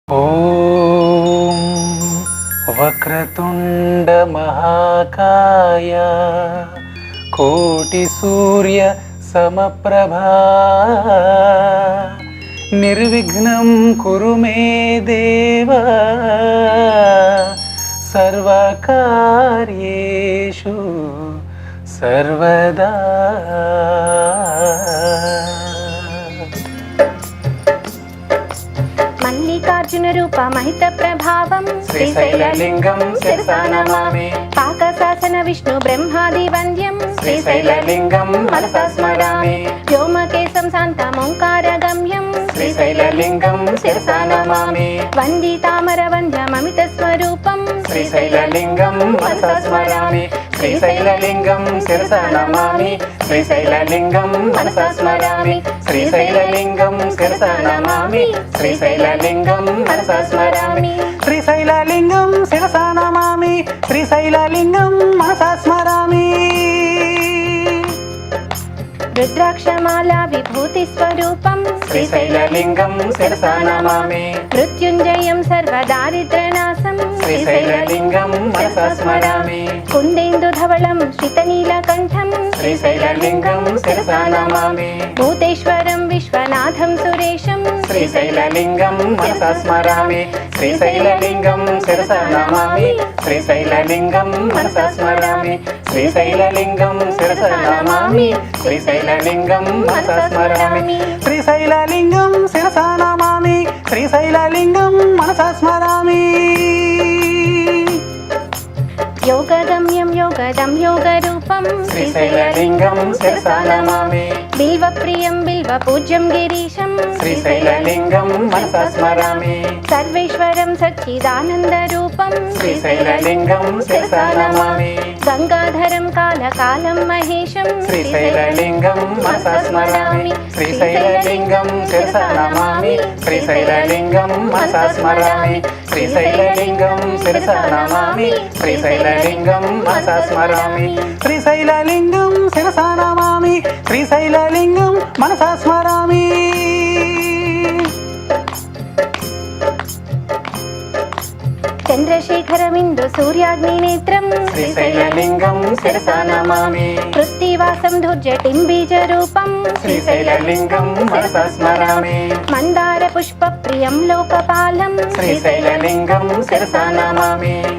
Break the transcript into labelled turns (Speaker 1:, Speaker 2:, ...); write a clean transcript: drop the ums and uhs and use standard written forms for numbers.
Speaker 1: ఓం వక్రతుండ మహాకాయ కోటి సూర్య సమప్రభా నిర్విఘ్నం కురు మే దేవ సర్వకార్యేషు సర్వదా.
Speaker 2: మల్లికార్జున రూప మహిత ప్రభావం
Speaker 1: శ్రీశైలలింగం శిరసా నమామి.
Speaker 2: పాకశాసన విష్ణు బ్రహ్మాది వంద్యం
Speaker 1: శ్రీశైలలింగం మనసా స్మరామి.
Speaker 2: వ్యోమకేశం శాంతమోంకార గమ్యం
Speaker 1: శ్రీశైలలింగం శిరసా నమామి.
Speaker 2: వందితామర వంద్యమమిత స్వరూపం
Speaker 1: శ్రీశైలలింగం మనసా స్మరామి. శ్రీశైలలింగం శిరసా నమామి. శ్రీశైలలింగం మనసా స్మరామి. శ్రీశైలలింగం శిరసా నమామి. శ్రీశైలలింగం మనసా స్మరామి. శ్రీశైలలింగం శిరసా నమామి. శ్రీశైలలింగం మనసా స్మరామి.
Speaker 2: రుద్రాక్షమాల విభూతి స్వరూపం
Speaker 1: శ్రీశైలలింగం శిరసా నమామి.
Speaker 2: మృత్యుంజయం సర్వదారిద్రనాశం
Speaker 1: శ్రీశైలలింగం మనసా స్మరామి.
Speaker 2: కుందేందు ధవళం శ్రితనీలకంఠం
Speaker 1: శ్రీశైలలింగం శిరసా నమామి.
Speaker 2: భూతేశ్వరం విశ్వనాథం సురేశం
Speaker 1: శ్రీశైలలింగం మనసా స్మరామి. శ్రీశైలలింగం శిరసా నమామి. శ్రీశైలలింగం మనసా స్మరామి. శ్రీశైలలింగం శిరసా నమామి. శ్రీశైలలింగం మనసా స్మరామి. శ్రీశైలలింగం శిరసా నమామి. శ్రీశైలలింగం మనసా స్మరామి.
Speaker 2: యోగగమ్యం యోగదం యోగరూపం
Speaker 1: శ్రీశైలలింగం శిరసా నమామి.
Speaker 2: బిల్వప్రియం బిల్వపూజ్యం గిరీశం
Speaker 1: శ్రీశైలలింగం మనసా స్మరామి.
Speaker 2: సర్వేశ్వరం సచ్చిదానందరూపం
Speaker 1: శ్రీశైలలింగం శిరసా నమామి.
Speaker 2: గంగాధరం కాలకాలం మహేశం
Speaker 1: శ్రీశైలలింగం మనసా స్మరామి. శ్రీశైలలింగం శిరసా నమామి. శ్రీశైలలింగం మనసా స్మరామి. శ్రీశైలలింగం శిరసా నమామి. శ్రీశైలలింగం మనసా స్మరామి. శ్రీశైలలింగం శిరసా నమామి. శ్రీశైలలింగం మనసా స్మరామి.
Speaker 2: చంద్రశేఖరమిందు సూర్యాగ్ని నేత్రం
Speaker 1: శ్రీశైలలింగం శిరసా నమామి.
Speaker 2: కృత్తివాసం ధుర్జటిం బీజరూపం
Speaker 1: శ్రీశైలలింగం మనసా స్మరామి.
Speaker 2: మందార పుష్ప ప్రియం లోకపాలం
Speaker 1: శ్రీశైలలింగం శిరసా నమామి.